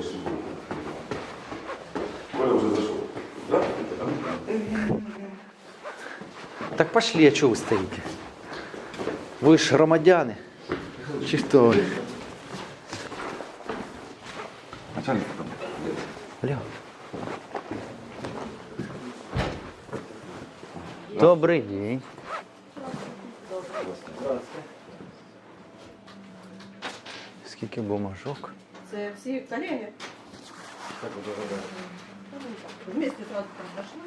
Коля уже зашел. Да? Так пошли, а чого ви стоїте? Ви ж громадяни. Чи хто ви? Начальник там. Алло. Добрий день. Скільки бумажок? Це всі колеги. Вместе сразу произошло.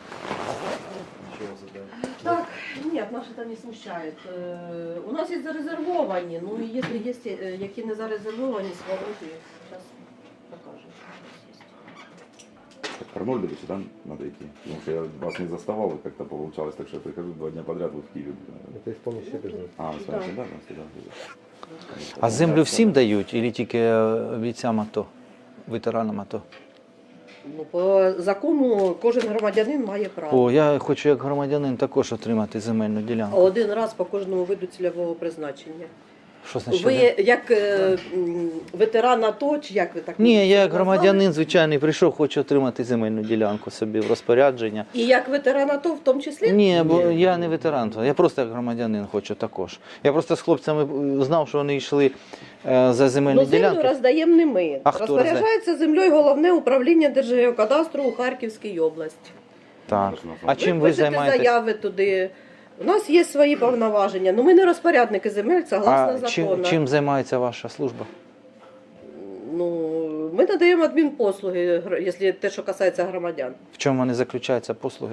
Так, нет, нас это не смущает. У нас есть зарезервовані, ну и если есть, які не зарезервовані, свободи, сейчас покажем, что у нас есть. К Арнольду сюда надо идти. Потому что я вас не заставал, и как-то получалось, так что я прихожу 2 дня подряд вот в Киеве. Это исполняющий обязанности. А, вы с вами всегда? Всегда. А землю всім дають, чи тільки бійцям АТО, ветеранам АТО? Ну, по закону кожен громадянин має право. О, я хочу як громадянин також отримати земельну ділянку. Один раз по кожному виду цільового призначення. Що значить? Ви як ветеран АТО, чи як ви так? Ні, я як назвали? громадянин звичайний прийшов, хочу отримати земельну ділянку собі в розпорядження. І як ветеран АТО в тому числі? Ні, бо я не ветеран, я просто як громадянин хочу також. Я просто з хлопцями знав, що вони йшли за земельну Ну, землю ділянку. роздаємо не ми. А хто Розпоряджається землею Головне управління Держгеокадастру у Харківській області. Так. А чим ви пишете займаєтесь? заяви туди. У нас є свої повноваження. Ну ми не розпорядники земель, согласно А закону. чим займається ваша служба? Ну, ми надаємо адмінпослуги, якщо те, що касається громадян. В чому вони заключаються послуги?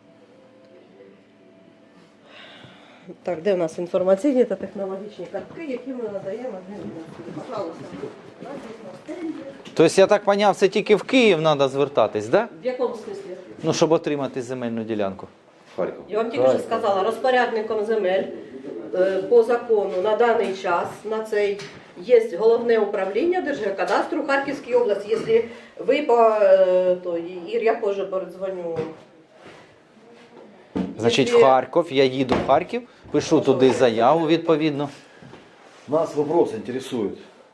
Так, де в нас інформаційні та технологічні картки, які ми надаємо адмінпослуги? Пожалуйста. У нас є стенді. Тобто, я так зрозумів, це тільки в Київ треба звертатись, да? В якому смислі? Ну, щоб отримати земельну ділянку. Харьков. Я вам тільки що сказала, розпорядником земель по закону на даний час на цей є головне управління Держгеокадастру в Харківській області. Якщо ви то Ір, я позже передзвоню. Значить, в Якщо- Харків, я їду в Харків, пишу туди заяву відповідно. Нас вопрос интересует.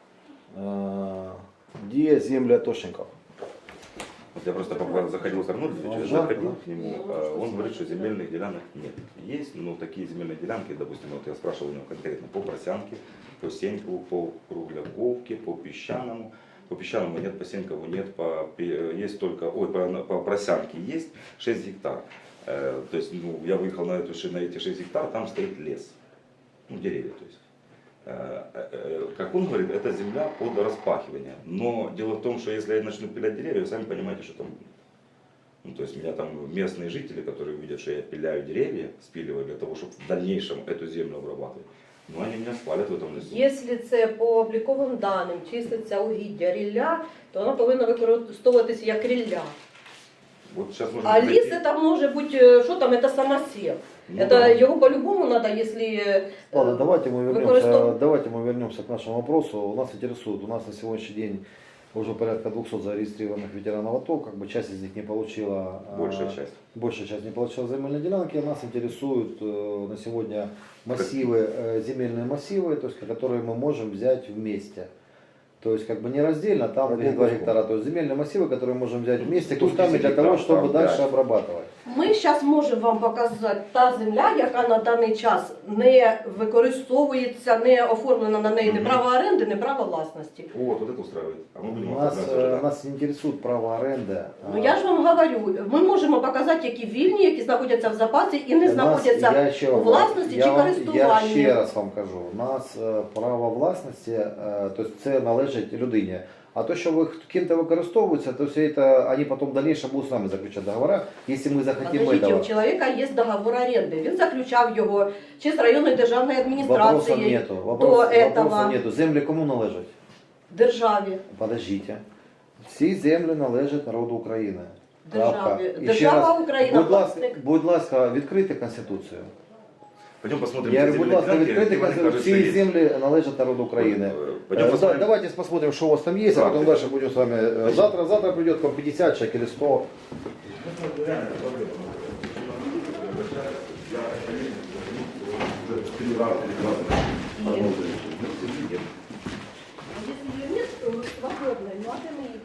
Где земли атошников? Вот я просто заходил к Арнольду, заходил к нему, он говорит, что земельных делянок нет. Есть, но такие земельные делянки, допустим, вот я спрашивал у него конкретно по Просянке, по Сенькову, по Кругляковке, по Песчаному. По Песчаному нет, по Сенькову нет, есть только, по Просянке есть 6 гектар. То есть, ну, я выехал на эти 6 гектар, там стоит лес, ну, деревья, то есть. Как он говорит, это земля под распахивание. Но дело в том, что если я начну пилять деревья, вы сами понимаете, что там будет. Ну, то есть меня там местные жители, которые видят, что я пиляю деревья, спиливаю для того, чтобы в дальнейшем эту землю обрабатывать, ну они меня спалят в этом лесу. Якщо це по обліковим даним числиться угіддя рілля, то воно повинно використовуватися як рілля. Вот сейчас можно А зайти. ліс це може бути, що там, це самосів. Ну, Это да. його по-любому надо, если... Ладно, давайте використовувати. давайте мы вернемся к нашему вопросу. У нас интересует, у нас на сегодняшний день уже порядка 200 зарегистрированных ветеранов АТО, как бы часть из них не получила, большая часть не получила земельные делянки. Нас интересуют на сегодня массивы, земельные массивы, то есть, которые мы можем взять вместе. То есть как бы не раздельно, там 2 гектара, то есть земельные массивы, которые мы можем взять вместе кусками для того, чтобы дальше обрабатывать. Ми зараз можемо вам показати та земля, яка на даний час не використовується, не оформлена на неї ні право оренди, ні право власності. Вот это устраивает. А мы будем обсуждать. Нас интересует право аренды. Ну я ж вам говорю, ми можемо показати, які вільні, які знаходяться в запасі і не знаходяться у власності чи Я користуванні. ще раз вам кажу, у нас право власності, тобто це належить людині. А то, що ким-то використовується, то все это, они потом в дальнейшем будут с нами заключать договора, если мы захотим Подождите, у этого. чоловіка є договор оренди. Він заключав його чи з районної державної Вопросов адміністрації нету, до вопросов нету. Землі кому належать? державі. Подождите. Всі землі належать народу України. Крапка. Державі. І ще Держава раз, Україна, будь ласка, відкрийте Конституцію. Пойдем посмотрим. Я эти говорю, будь земельные ласка, делянки, відкрийте где, мне Конституцію. кажется, Всі есть. землі належать народу України. Пойдем посмотрим. Давайте посмотрим, что у вас там есть, а потом дальше будем с вами. Завтра придет к вам 50 человек или 100. Если ее нет, то свободной, ну а где мы ее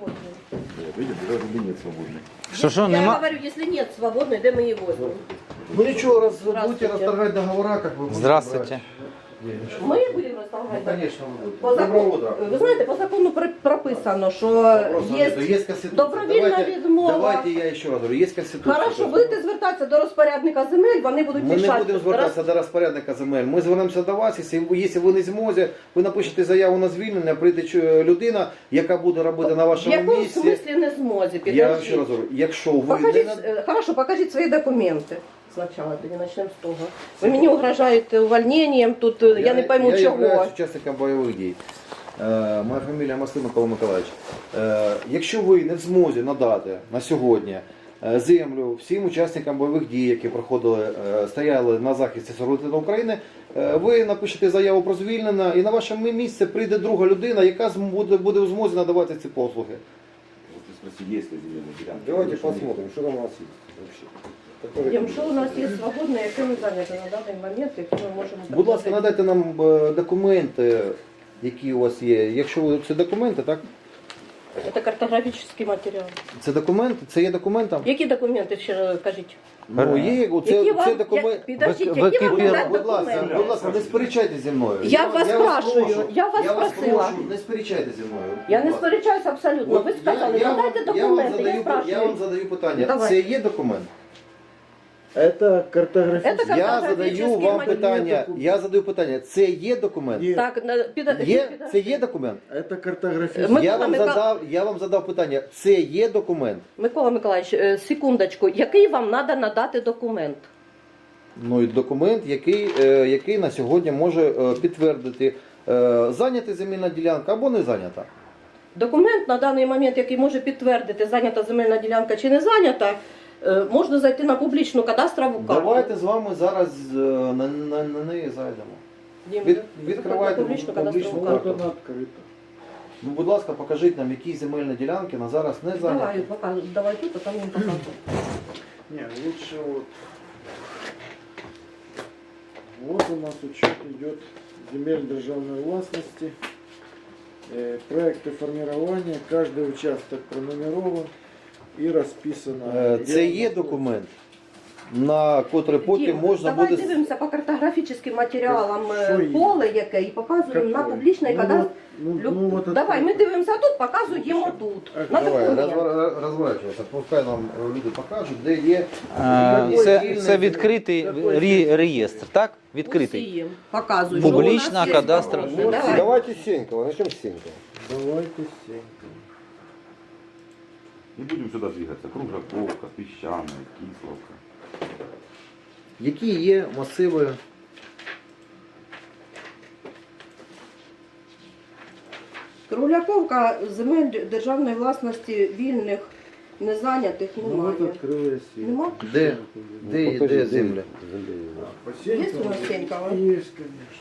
Видите, даже нет свободной. Що, Я нема? говорю, если нет свободной, где мы ее возьмем? Ну ничего, раз Здравствуйте. будете расторгать договора, как вы будете Здравствуйте. брать денежки. Мы будем расставлять? Ну, конечно, вы будете. По Доброго закону, утра. ви знаєте, по закону прописано, що Вопросов нету. є Есть Конституция. добровільна відмова. Давайте я еще раз говорю, есть Конституция. Хорошо, будете звертатися до розпорядника земель, вони будуть Ми не рішати. будемо звертатися до розпорядника земель. Ми звернемося до вас, якщо ви не змозі, ви напишете заяву на звільнення, прийде людина, яка буде робити на В вашому якому місці. смислі не змозі? Я вам ще Підождіть. раз говорю, якщо ви Покажіть, не... хорошо, покажіть свої документи. Спочатку, тоді почнемо з того. Ви мені угрожаєте увольненням, тут я не пойму я чого. являюсь учасником бойових дій. Моя фамілія Маслин Микола Миколаївич. Якщо ви не в змозі надати на сьогодні землю всім учасникам бойових дій, які проходили, стояли на захисті суверенітету України, ви напишете заяву про звільнення і на ваше місце прийде друга людина, яка буде в змозі надавати ці послуги. Вот ты спроси, есть ли земельные делянки. Давайте Потому что нет. посмотрим, что там у нас есть вообще. Дім, що у нас є свободне, яке ми зайняті на даний момент, яке ми можемо Будь ласка, предложити? надайте нам документи, які у вас є. Якщо це документи, так? Це картографічний матеріал. Це документи, це є документом? Які документи ще кажіть? Ну, є, Які це вам, документ. підождіть, ви які вам кипіли, надати Будь ласка, документи? не сперечайтеся зі мною. Я вас спрашую, прошу, я вас вас просила. прошу, не сперечайтеся зі мною. Я Будь не ласка. сперечаюся абсолютно. Ви От сказали, надайте документи, я я спрашиваю. вам задаю питання. Давай. Це є документ? Это картографический. Это Я задаю картографічний вам матеріал. питання. Це є документ? Ні. Так, Це є документ? Это картографический. Я вам задав питання. Це є документ? Микола Миколаївич, секундочку, який вам треба надати документ? Ну і документ, який на сьогодні може підтвердити, зайнята земельна ділянка або не зайнята. Документ на даний момент, який може підтвердити, зайнята земельна ділянка чи не зайнята, можна зайти на публічну кадастрову карту. Давайте з вами зараз на неї зайдемо. Дім, відкривайте на публічну публічну кадастрову Вот карту. она открыта. Ну, будь ласка, покажіть нам, які земельні ділянки на зараз не Давай, зайняті. покажу. Давай тут, а там їм покажу. Не, лучше вот. Вот у нас учет идет земель державной властности. Проекты формирования. Каждый участок пронумерован и расписано. Це є документ, на котрий потім Дім, можна давай буде... дивимося по картографічним матеріалам Що є? поле яке і показуємо на Какое? публічний Ну, кадастр. вот, ну, вот Давай, это- ми дивимося тут, показуємо тут. На Давай, документ. розворачуйся, пускай нам люди покажуть, де є... Це відкритий реєстр, так? Відкритий. Усім показують. Публічна що у нас є кадастра. свободне. Давай. Давайте с Сенькова. Начнем с Сенькова. Давайте с Сенькова. Не будем сюда двигаться. Кружаковка, Песчаная, Кисловка. Які є масиви... Кругляковка земель державної власності вільних, незайнятих Ну вот немає. открылась Сенькова. Нема? Де земля? По Є у Сенькова? нас Сенькова? Есть, конечно.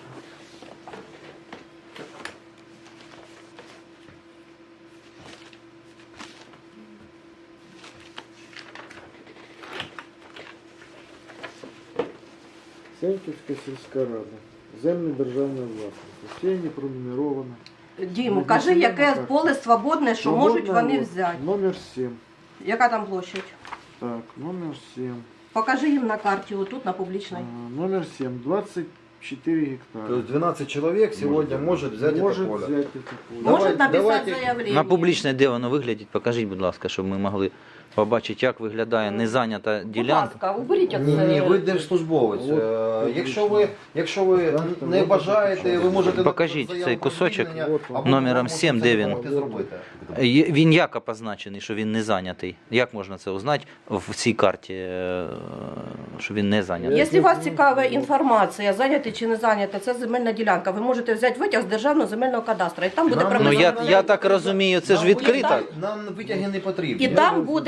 Сеньківська сільська рада. Землі державної власності. Всі не пронумеровано. Дім, кажи, яке поле свободне, що можуть вони взяти. Номер 7. Яка там площадь? Так, номер 7. Покажи їм на карті, отут на публічній. Номер 7. 24 гектара. Тобто 12 чоловік сьогодні може взяти Может це поле. взять это поле. Можуть написати давайте. заявлення. На публічне, де воно виглядить, покажіть, будь ласка, щоб ми могли побачити, як виглядає незайнята Будь ділянка. ласка, уберіть Ні, оце. ви держслужбовець. Якщо ви не бажаєте, ви можете... Покажіть заяву цей про кусочок звільнення, або номером можете 7, це де він? допомогти зробити. Він як обозначений, що він не зайнятий? Як можна це узнати в цій карті, що він не зайнятий? Якщо вас цікава інформація, зайняти чи не зайняти, це земельна ділянка. Ви можете взяти витяг з державного земельного кадастру. І там буде Нам Ну прописано. я так розумію, це ж Нам відкрита. Нам витяги не потрібні. І там буде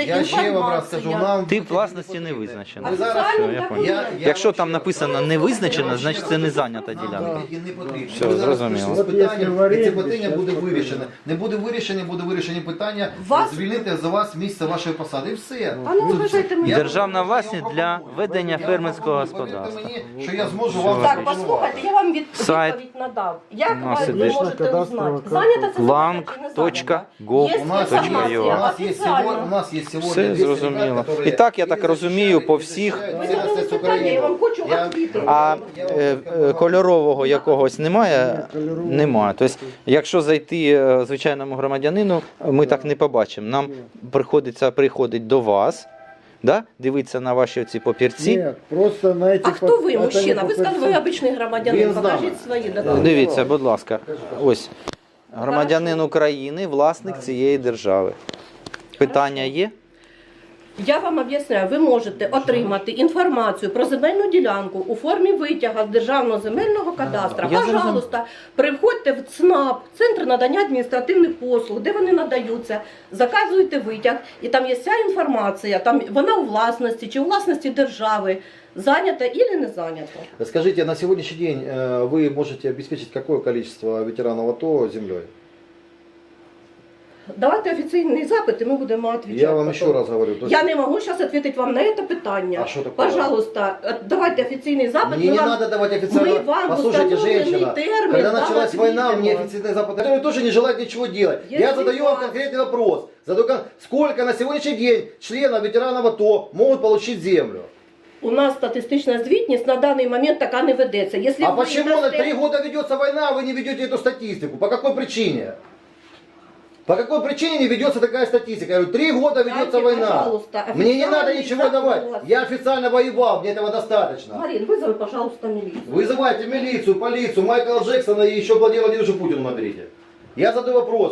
Я ще вам раз скажу, нам Тип власності не визначено. Ви зараз- Офіціально Все, я такої понял. немає. Якщо там написано не визначено, значить це не зайнята ділянка. Не потрібно. Все, Ми зараз зрозуміло. прийшли з От якщо в питанням, і оренді, це питання буде щас вирішене. Не буде вирішені питання Вас- звільнити за вас місце вашої посади. І все. А ну вважайте мене. Державна власність для ведення фермерського господарства. Повірте мені, що я зможу вам Так, запропонувати. послухайте, я вам Сайт. відповідь надав. Як У нас ви іде. можете Кадастрова узнати? карта. Зайнята це Lang.gov. Є У нас, інформація у нас є офіційна. сьогодні, у нас є сьогодні Все 200 зрозуміло. ребят, которые І так, я так і розумію, по захищають, всіх- і Ви захищають задали цілісність питання, я вам України. хочу Я- відповідати. А кольорового якогось немає? Немає. Тобто, якщо зайти звичайному громадянину, ми так не побачимо. Нам приходить до вас, да? Дивитися на ваші ці папірці. Нет, просто на эти... А хто ви, это не мужчина? Ви сказали, ви папірці. обичний громадянин. Він з нами. Покажіть свої документи. Дивіться, будь ласка, ось громадянин України, власник цієї держави. Питання є? Я вам об'ясняю, ви можете отримати інформацію про земельну ділянку у формі витяга з Державного земельного кадастра. Я зрозумів. Пожалуйста, приходьте в ЦНАП, Центр надання адміністративних послуг, де вони надаються, заказуєте витяг, і там є вся інформація, там вона у власності чи у власності держави, зайнята або не зайнята. Скажите, на сегодняшний день вы можете обеспечить какое количество ветеранов АТО землей? Давайте офіційний запит, і ми будемо відповідати. Я вам еще раз говорю. то есть Я не могу сейчас ответить вам на это питание. А что такое? Пожалуйста, давайте официальный запад. Мне мы не вам- надо давать официально. мы вам Послушайте, установленный женщина, термин, когда да, началась война, ответим мне вам. официальный Запад, который тоже не желает ничего делать. Если Я задаю вам вас- конкретный вопрос. Сколько на сегодняшний день членов ветеранов АТО могут получить землю? У нас статистична звітність на даний момент така не ведеться. Якщо А ви почему на дасте- 3 года ведется война, а вы не ведете эту статистику? По какой причине? По какой причине не ведется такая статистика? Я говорю, 3 года ведется Дайте, война. пожалуйста, Мне не надо официальный ничего запрос. давать. Я официально воевал, мне этого достаточно. Марин, вызови, пожалуйста, милицию. Вызывайте милицию, полицию, Майкла Джексона и еще Владимира Владимировича Путина наберите. Я задаю вопрос.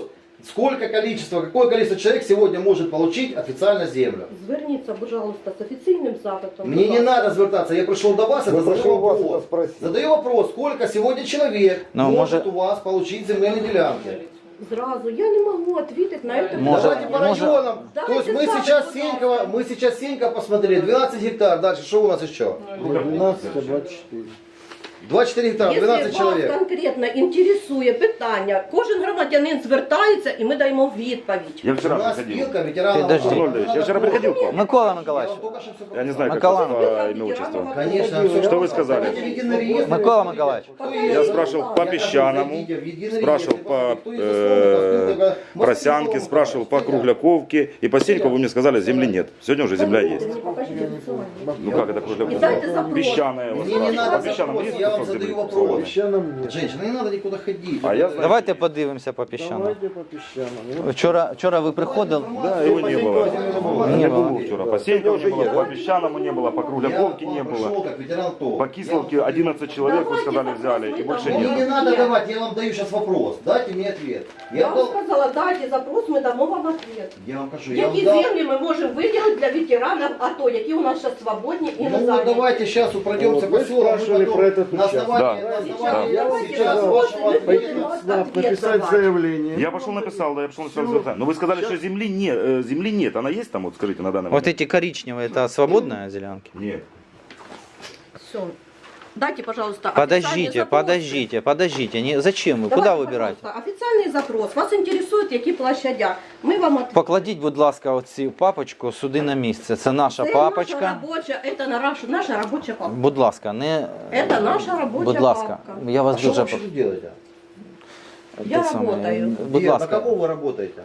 Какое количество человек сегодня может получить официально землю? Зверніться, пожалуйста, з офіційним запитом. Мне не надо звертаться, я пришел до вас, это пришел задаю вас вопрос. это спросить. Задаю вопрос, сколько сегодня человек Ну, может может- у вас получить земельные делянки? Зразу, я не можу відповідати на це Может- Давайте по может- районам. Давайте То есть мы так, сейчас пожалуйста. Сенькова, мы сейчас Сенька посмотрели, 12 гектар, дальше что у нас еще? 12, 24. 24 гектара, Якщо 12 вас человек. конкретно інтересує питання, кожен громадянин звертається і ми даємо відповідь. Я У вчера нас приходил. спилка ветеранов. Подожди. АТО. Арнольдович, я вчера приходил к вам. Микола Я вам Миколаївич. только что всё Я не знаю, как Микола. вас по имя отчеству. Конечно, Что всё вы сказали? Давайте в единый реестр. Микола Миколаевич. Я спрашивал по песчаному, спрашивал по просянке, спрашивал по кругляковке. И по Сеньку вы мне сказали, земли нет. Сегодня уже земля есть. Мені покажіть офіційно. Ну как это И кругляковка? дайте запрос. Песчаная. вот Мне не спрашивал. надо По песчаному запрос, есть я вам кусок задаю земли вопрос. свободный? Песчаном нет. Женщина, не надо никуда ходить. А я знаю. Давайте подивимося по піщанам. Давайте по песчаному. Вчора ви приходили. Да, его не было. Не Не было. было вчера. По Сенькову не было, по песчаному не было, по кругляковке не пришел было. как ветеран ТО. По Кисловке 11 человек, вы сказали, взяли, и больше Мне нет. не надо давать, я вам даю сейчас вопрос. Дайте мне ответ. Я Я, вам дал- сказала, дайте запрос, ми дамо вам ответ. я вам кажу, я вам Які дал. землі ми можемо виділити для ветеранів АТО, які у нас зараз свободні і не Ну зайняті? давайте сейчас пройдемся Вот по вы селам. мы спрашивали потом про этот на участок. основании, Да. на основании Я вам сейчас сказала, вашего вот, ответа. люди, СНАП написать заявление. Я пошел написал, да, я пошел написал звезда. Но вы сказали, что земли нет. Она есть там, вот скажите, на данный Вот момент? эти коричневые, это свободная делянки? Нет. Все. Дайте, пожалуйста, Подождите, официальный подождите. Не, зачем вы? запрос. Куда Давайте, выбирать? пожалуйста, офіційний запрос. Вас інтересують, які площадя. Ми вам відповімо. Покладіть, будь ласка, оцю папочку сюди на місце. Це наша Це папочка. наша робоча, це наша робоча папка. Будь ласка, не. Це наша робоча Будь ласка, папка. я А вас что вы дуже вообще тут делаете? Я Те саме. работаю. Будь Где? На ласка. кого вы работаете?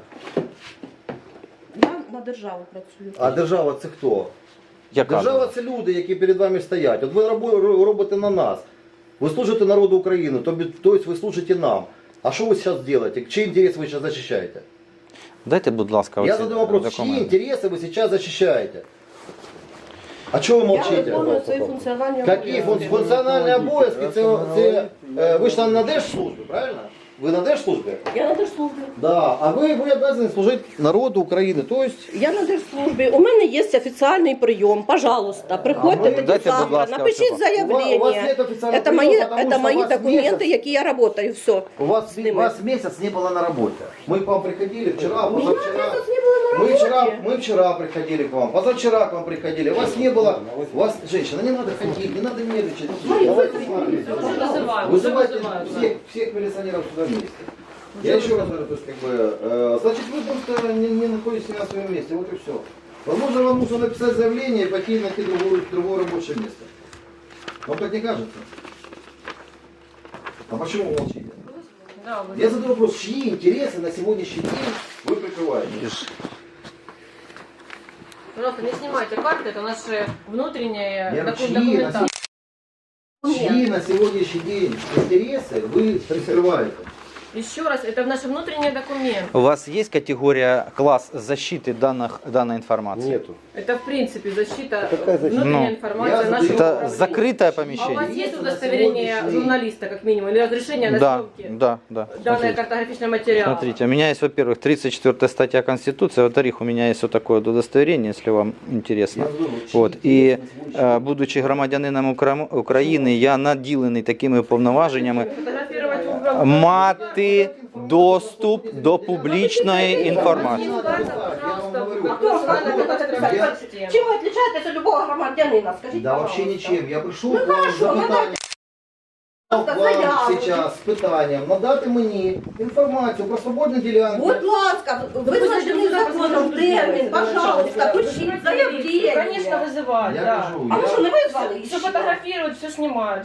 Я на державу працюю. А держава це хто? Яка? Держава це люди, які перед вами стоять. От ви робите на нас. Ви служите народу України, тобто ви служите нам. А що ви зараз робите? Чий інтерес ви зараз захищаєте? Дайте, будь ласка, Я оці задаю вопрос, чьи документи. интересы вы сейчас защищаете? А чего вы Я молчите? виконую свої функціональні Какие обов'язки. функциональные обов'язки? Ви ж там на держслужбі, правильно? Вы на держслужбе? Я на держслужбі. Да. А вы обязаны служить народу Украины. То есть Я на держслужбі. У мене є офіційний прийом. Пожалуйста, приходьте ми- тоді Дайте, будь завтра, ласка, напишіть оцього. у вас заявлення. нет официального Це мої, приема, потому це что мої вас документи, месяц- які я працюю, все. вас месяц не было на работе. Мы к вам приходили вчера, Меня позавчера. месяц не было на работе. Мы вчера приходили к вам, позавчера к вам приходили. Вас не было. Вас, женщина, не надо ходить, не надо нервничать. Давайте смотрите. Вызывайте всех милиционеров сюда вместе. Я еще раз говорю, то есть значит вы просто не находитесь на своем месте, вот и все. Возможно, вам нужно написать заявление и пойти найти другое рабочее место. Вам так не кажется? А почему вы молчите? Я задаю вопрос, чьи интересы на сегодняшний день вы прикрываете? Пожалуйста, не снимайте карты, это наши внутренние Я говорю, чьи документации. чьи на сегодняшний день интересы вы прикрываете? Еще раз, это наши внутренние документы. У вас есть категория, класс защиты данной информации? Нету. Это в принципе защита, Какая защита? внутренняя Ну, информация я нашего Это управления. закрытое А у вас помещение? есть удостоверение журналиста, как минимум, или разрешение на Да, съемки? да. Данный Смотрите. картографичный материал. Смотрите, у меня есть, во-первых, 34 статья Конституции, во-вторых, у меня есть вот такое вот удостоверение, если вам интересно. Вот. И будучи громадянином України, я наділений такими повноваженнями Фотографировать угол. мати доступ до публічної інформації. Чим ви відрізняєтеся від любого громадянина? Скажіть, Да вообще пожалуйста. ничем. Я пришел Ну, к вам хорошо, за ну, питанием. К вам заяву. сейчас з питанням надати мені інформацію про свободні ділянки. Будь ласка, визначений законом термін, пожалуйста, пишіть заявлення. Конечно, вызывают, Я да. кажу, А ви що, не визвали? Все ще? фотографируют, все снимают.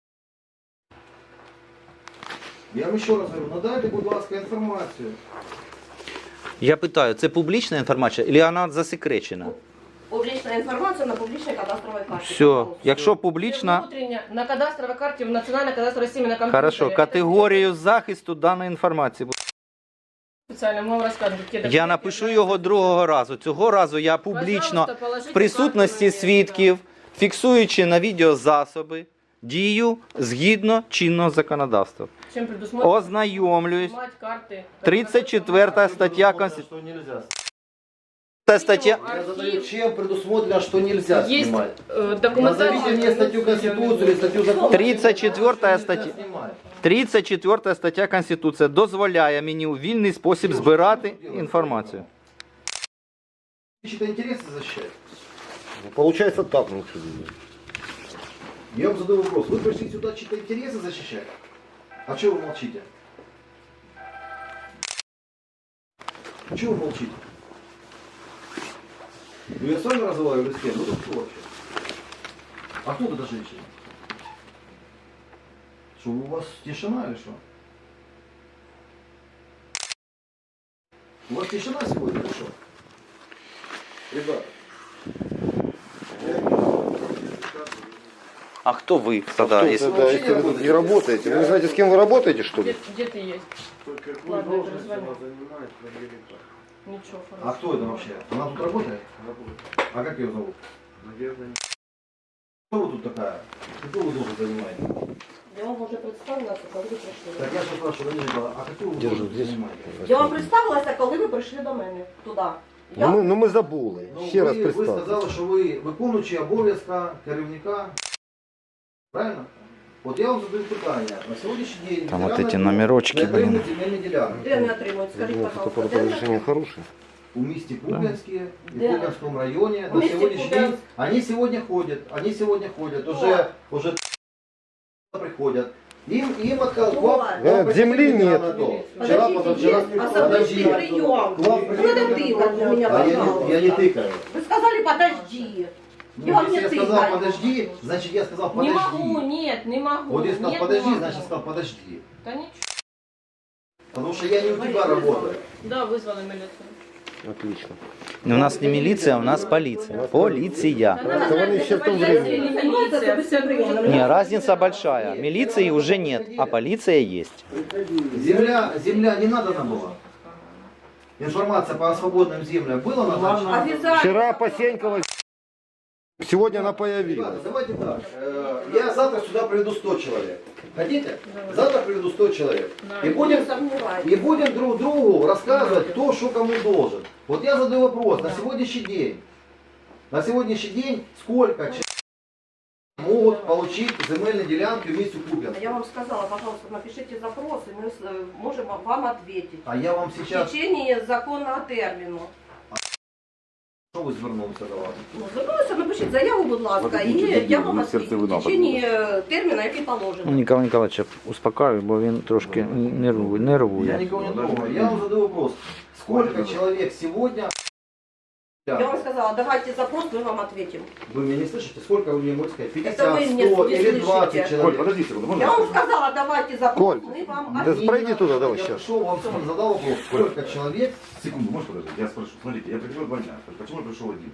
я вам ще раз говорю, надайте, будь ласка, інформацію. Я питаю, це публічна інформація, чи вона засекречена? Публічна інформація на публічній кадастровій карті. Все, пожалуйста. якщо Все публічна, внутренне, на кадастровой карте, в национальной кадастровой системе на компьютере. хорошо, категорію захисту даної інформації. Специально мы вам расскажем, какие Я напишу його другого разу. Цього разу я публічно, Пожалуйста, положите в присутності карту на свідків, фіксуючи на відеозасоби, дію згідно чинного законодавства. Чем предусмотрено Ознайомлююсь. снимать карты. 34 стаття Конституції. Что нельзя. Стаття. Я задаю, чем предусмотрено, что нельзя Есть снимать. документация. Назовите мне статью Конституции или статью закона. 34 стаття. 34 стаття Конституції дозволяє мені у вільний спосіб збирати інформацію. Чьи-то интересы защищать. Ну, получается так, ну что. Я вам задаю вопрос. Вы пришли сюда чьи-то интересы защищать? А чего вы молчите? Чего вы молчите? Ну я с вами разговариваю с кем? Ну тут кто вообще? А кто эта женщина? Что, у вас тишина или что? У вас тишина сегодня или что? Ребята. А хто ви Да, тоді? если вообще не вы не работаете, вы не знаете, с кем вы работаете, что ли? Где ты есть? Ладно, я перезвоню. Ничего, А хорошо. кто это вообще? Она тут работает? А как ее зовут? Кто вы тут такая? Какую вы должность занимаете? Я вам вже представилася, коли ви прийшли. Так я же спрашиваю, подождите, а какую вы Держу должность здесь. занимаете? Я вам представилася, коли ви прийшли до мене туди. Ну мы забули. Ну, Ще раз ви представте. сказали, що ви виконуючий обов'язка керівника. Правильно? От я вам задаю питання. На сьогоднішній день Там от ветерани ці номерочки, не отримують блін. земельні ділянки. Де не отримують? Скажіть, Ну, пожалуйста, фотоаппарат де не разрешение хорошее. У місті Куп'янське і в Де? Куп'янському районі У на місті сьогоднішній день Куп'янськ. вони сьогодні ходять, Хто? уже приходять. Їм отказали. Хто? Землі нет. Вчера, Подождите, позавчера, есть особистый прием. К вам Не надо тыкать на меня, А пожалуйста. я не тыкаю. Вы сказали, подожди. Ну, Я вам если не я сказал тыкаю. подожди, значит я сказал Не подожди. могу, нет, не могу. Вот я сказал Нет, подожди, не могу. значит сказал подожди. Да ничего. Потому что я не у тебя работаю. Да, вызвали милицию. Отлично. У нас не міліція, у нас поліція. Поліція. Она вони знает, ще это в том полиция времени. или милиция, все дружно. Не, разница большая. Милиции уже нет, а полиция есть. Земля не надо нам была. Информация по свободным землям была назначена? Обязательно. Вчера Посенькова Сегодня она появилась. Ребята, давайте так. Я завтра сюда приведу 100 человек. Хотите? Завтра приведу 100 человек. И будем друг другу рассказывать, кто что кому должен. Вот я задаю вопрос. На сегодняшний день сколько человек могут получить земельные делянки в месте Куп'янськ? Я вам сказала, пожалуйста, напишите запрос, и мы можем вам ответить. А я вам В сейчас... течение законного терміну. Що ви звернулися до вас? Ну, звернулися, напишіть заяву, будь ласка, і я вам відповім в течение терміну, який положено. Нікола Ніколаєвича успокаюю, бо він трошки нервує. Я никого не трогаю. Я вам задаю вопрос. Сколько человек сегодня... Я вам сказала, давайте запрос, мы вам ответим. Вы меня не слышите? Сколько вы мне можете сказать? 50, Это вы меня 100 не или 20 слышите. человек? Коль, подожди секунду, можно? Я вам сказала, давайте запрос, Коль, мы вам да ответим. пройди туда, давай Я сейчас. пришел, вам задал вопрос. Сколько человек? Секунду, можешь подождать? Я спрошу. Смотрите, я приходил 2 дня. Почему я пришел один?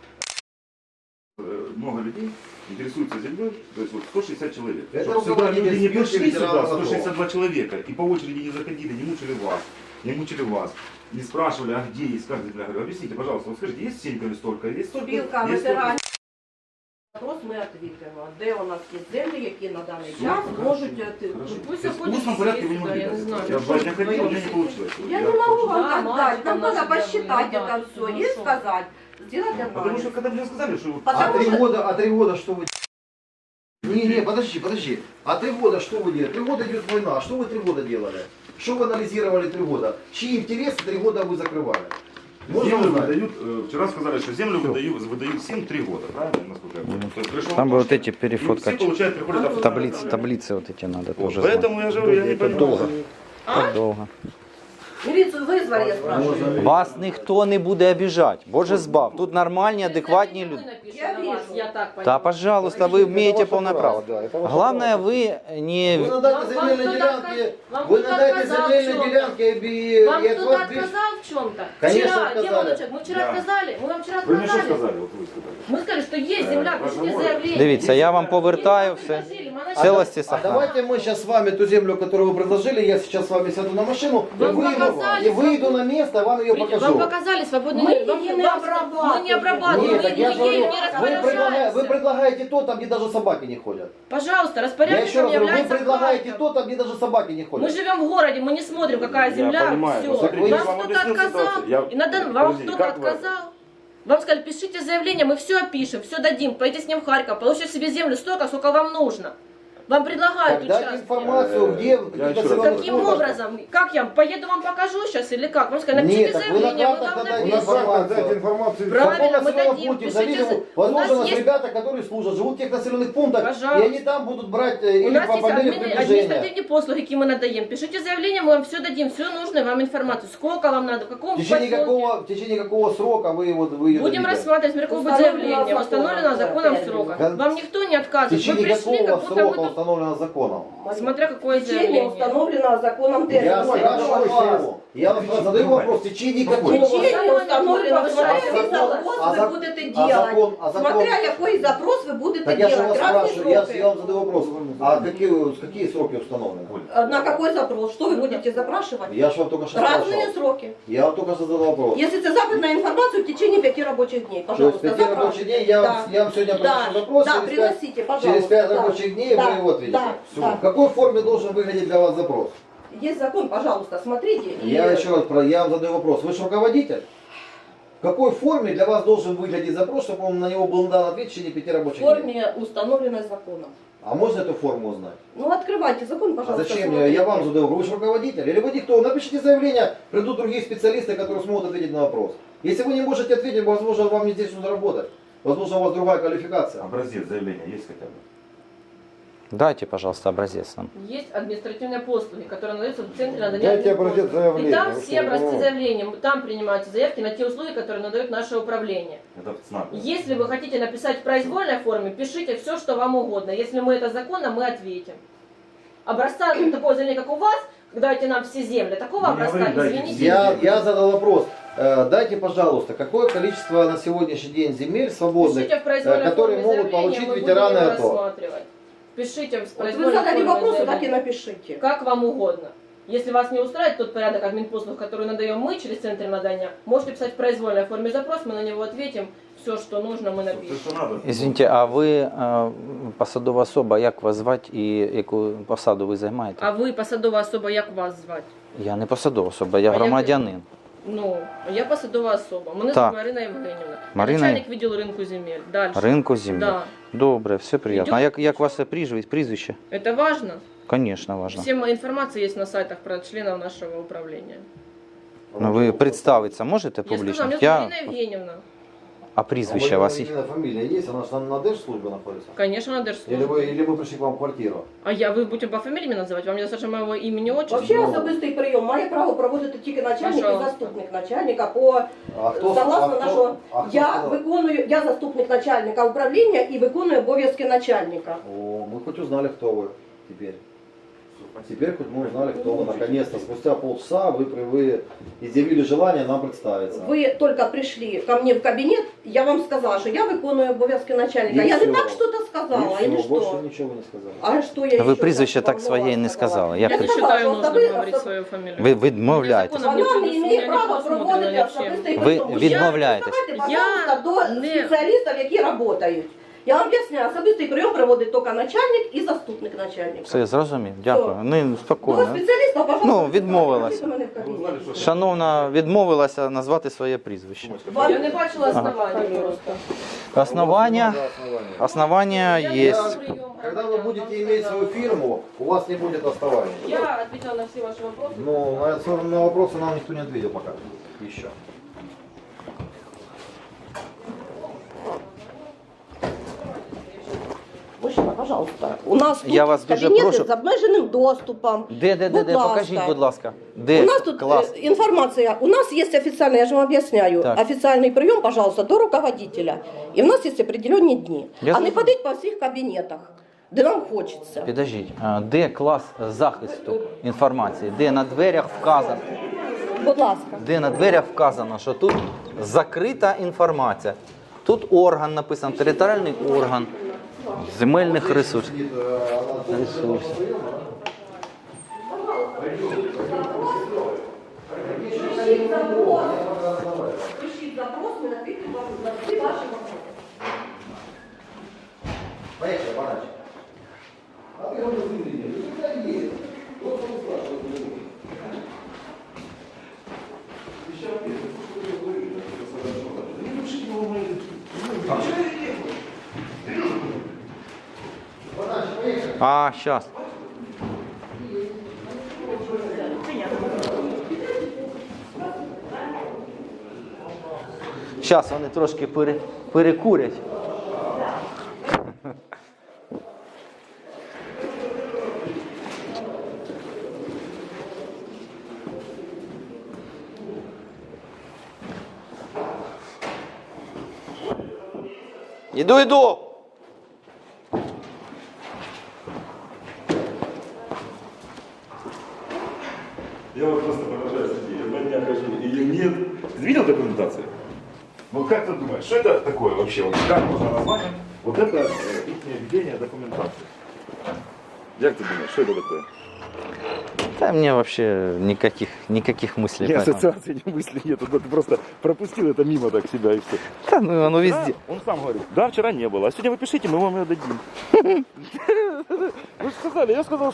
Много людей интересуются землей, то есть вот 160 человек. Это Чтобы сюда руководитель люди не спилки пришли сюда, ветеранов АТО. 162 человека, и по очереди не заходили, не мучили вас, не спрашивали, а где есть каждый земля. Говорю, объясните, пожалуйста, вот скажите, есть сенька столько, есть столько? Спілка Есть столько? ветеранів. Запрос ми відповімо. Де у нас є землі, які на даний Все, час хорошо. можуть... Хорошо. Пусть То есть в заходит устном порядке вы не сюда, могли я не дать. знаю. Я 2 дня ходил, у меня не получилось. Я не могу вам Да, так мало дать. Нам там надо нас посчитать да, это все ну и что? сказать. Сделать Потому анализ. что когда мне сказали, что... Потому А 3 года что вы... Не, подожди. А 3 года что вы делали? 3 года идет война. Что вы 3 года делали? Что вы анализировали 3 года? Чьи интересы 3 года вы закрывали? Можно Землю узнать? выдают, вчера сказали, что землю выдают всем 3 года, правильно, насколько я понял? То есть пришел Там бы вот вопрос, эти и все перефоткать. получают, приходят официально. Таблицы вот эти надо Вот, тоже знать. поэтому я же говорю, я не понимаю. Долго. Так довго. Милицию вызвали, я спрашиваю. Вас ніхто не буде обіжати. Боже збав. Тут нормальні, адекватні люди. Я вижу. Я так Та, поняла. пожалуйста, вы имеете полное право. Да, это ваше Главное, право. вы не... Вы надайте Вам земельные кто-то делянки, вам вы кто-то надайте отказал в земельные чём-то? делянки и Вам от кто-то вас без- отказал в чем-то? Конечно, Вчера, отказали. девочек, мы вчера Да. отказали. Мы вам вчера Вы мне что отказали. сказали? Вот вы сказали. Мы сказали, что есть земля, пишите заявление. Дивіться, я вам повертаю все. В целости А сохран. давайте мы сейчас с вами ту землю, которую вы предложили, я сейчас с вами сяду на машину Вам и показали, выйду на место, вам ее Вам покажу. показали свободный Мы мир. ее не обрабатываем. Мы не обрабатываем, Нет, мы так я же говорю, не вы распоряжаемся. предлагаете то, там где даже собаки не ходят. Пожалуйста, Я еще распорядником раз говорю, вы является предлагаете Харьков. то, там где даже собаки не Мы ходят. живем в городе, мы не смотрим, какая Я земля, понимаю, все. но смотрите, я Вам вам кто-то объяснил отказал, ситуацию. Я- и вам Подожди, кто-то как вы- отказал. Вам сказали, пишите заявление, мы все опишем, все дадим, пойдите с ним в Харьков, получите себе землю столько, сколько вам нужно. Вам предлагают Так, дайте участки. информацию, где Я какие-то еще раз населенных говорю. Каким пунктах. образом? Как я поеду вам покажу сейчас или как? Вам сказали, Нет, напишите так вы на заявление, мы картах вам дадите У нас напишем. как дать информацию? Правильно, В мы населенном дадим, пункте пишите зависит, за- У нас возможно, есть- ребята, которые служат, живут в тех населенных пунктах, Пожалуйста. и они там будут брать У или нас по есть мере приближения. административные послуги, какие мы надаем. Пишите заявление, мы вам все дадим, всю нужную вам информацию. Сколько вам надо, в каком В течение какого срока вы ее Будем дадите? рассматривать, смотря какое будет Установлено заявление. Установлено законом законом, срока. да. Вам никто не В отказывает. Вы течение пришли, какого как будто срока мы тут... установлено законом? Смотря какое В течение заявление. установленного законом Я термина. спрашиваю вас. Я вам задаю вопрос. В течение какого? В течение установленного А який запрос а ви закон- будете а делать. закон- а закон- Смотря який запрос ви будете Так я же делать. вас Разные спрашиваю, я сроки. вам задаю вопрос. А какие сроки установлены? На какой запрос? Что вы будете запрашивать? Я же вам только что Разные спрашивал. сроки. Я вам только что задал вопрос. Если это запит на информацию в течение 5 рабочих дней, То есть пожалуйста, 5 рабочих дней я вам сегодня Да, приношу запрос, да, через пять- приносите, пожалуйста. через 5 да. рабочих дней Да, вы его ответите. да, Всё. да. В какой форме должен выглядеть для вас запрос? Есть закон, пожалуйста, смотрите. Я еще раз я вам задаю вопрос. Вы же руководитель? В какой форме для вас должен выглядеть запрос, чтобы он на него был дан ответ в течение 5 в рабочих дней? форме, установленной законом. А можно эту форму узнать? Ну, открывайте закон, А пожалуйста. зачем смотрите. я вам задаю? Вы же руководитель? Или вы никто? Напишите заявление, придут другие специалисты, которые смогут ответить на вопрос. Если вы не можете ответить, возможно, вам не здесь нужно работать. Возможно, у вас другая квалификация. Образец заявления есть хотя бы? Дайте, пожалуйста, образец нам. Есть административные послуги, которые надаются в центре надания Дайте админпослуг. образец заявления. И там Вы все что, образцы ну? заявления, там принимаются заявки на те услуги, которые надает наше управление. Это ЦНАП. Если вы хотите написать в произвольной форме, пишите все, что вам угодно. Если мы это законно, мы ответим. Образца такого заявления, как у вас, дайте нам все земли, такого Ну, образца, говори, дайте извините. Я задал вопрос. Дайте, пожалуйста, какое количество на сегодняшний день земель свободных, Пишите в произвольной которые форме могут заявление, получить мы будем ветераны его АТО? рассматривать. Пишите в Вот вы произвольной задали форме вопрос, так и заявление. напишите. Как вам угодно. Если вас не устраивает тот порядок админпослуг, который надаем мы через центр надання, можете писать в произвольной форме запрос, мы на него ответим, все, что нужно, мы напишем. Все, что надо. Извините, а ви посадова особа, як вас звати і яку посаду ви займаєте? А ви посадова особа, як вас звати? Я не посадова особа, я А як ви? громадянин. Ну, я посадова особа. Мене Так. звати Марина Євгенівна. Марина- Начальник відділу ринку земель. Дальше. Ринку землі. Да. Добре, все приємно. А як ваше прізвище? Это важно. Звісно, важливо. Всем информация есть на сайтах про членов нашего управления. Ну, ви представитися можете Я публічно? сказала, меня зовут Марина Евгеньевна. А прізвище у вас є? Фамилия есть? Она же на держслужбе находится? Конечно, на Или держслужбе. мы пришли к вам в квартиру? А вы будете по фамилии меня называть? Вам недостаточно моего имени, отчества? Вообще особистий прийом має право проводити тільки начальник і Пожалуйста. заступник начальника по А кто, согласно нашого. хто Я сказав? виконую, я заступник начальника управління і виконую обов'язки начальника. О, мы хоть узнали, кто вы теперь. Теперь хоть мы узнали, кто вы. Наконец-то, спустя полчаса вы изъявили желание нам представиться. Ви тільки прийшли ко мне в кабінет, я вам сказала, що я виконую обов'язки начальника. І Я все. не так что-то сказала, И или всё, больше что? ничего вы не сказали. А что я Ви еще прізвище вам так своє нового не сказали. Як Я Не прізвище? сказала, считаю что нужным особи- говорить особ- свою фамилию. Ви відмовляєтесь. Законом Вона не предусмотрено, має не права предусмотрено проводити ничем. особистий Ви прийом. відмовляєтесь. Давайте, Я пожалуйста, до не- спеціалістів, які працюють. Я вам об'ясняю, особистий прийом проводить тільки начальник і заступник начальника. Все, зрозумів. Дякую. Ну, До спокійно. спеціаліста, пожалуйста, Ну, відмовилась. приходьте до мене в Вы кабінет. узнали, что Шановна відмовилася назвати своє прізвище. Я не бачила оснований просто. Основання Я є. на прием Когда вы граждан, будете вам иметь сказала. свою фирму, у вас не будет оснований. Я ответила на все ваши вопросы. Ну, на вопросы нам никто не ответил пока. Еще. Мужчина, пожалуйста. У нас тут Я вас дуже кабінети прошу. з обмеженим доступом. Де, Будь ласка. покажіть, будь ласка. Де? У нас тут Клас. информация, у нас есть официальный, я же вам объясняю, Так. официальный прием, пожалуйста, до руководителя. И у нас есть определенные дни. Я а не зрозумів. ходить по всіх кабінетах, де нам хочеться. Підождіть, а де клас захисту інформації? Де на дверях вказано? Будь ласка. Де на дверях вказано, що тут закрита інформація. Тут орган написано, територіальний орган земельних ресурсів. Ресурсів. Пишіть запрос, ми відповімо на всі ваші вопроси. Поехали, Баранчик. А ты говоришь, ты есть. Вот он спрашивает. А, зараз. Зараз вони трошки перекурять. Іду. Я вот просто поражаюсь, я 2 дня хожу, ее нет. Ты видел документацию? Ну как ты думаешь, что это такое вообще? Вот как можно назвать? Вот это их введение документации. Как ты думаешь, что это такое? Та мені взагалі ніяких мыслей. Ни по этому. ассоциации, ни мысли нет. Ты просто пропустил это мимо так себя и все. Та ну воно везде. Он сам говорит, да, вчера не было, а сегодня вы пишите, мы вам ее дадим. Вы же сказали, я сказал,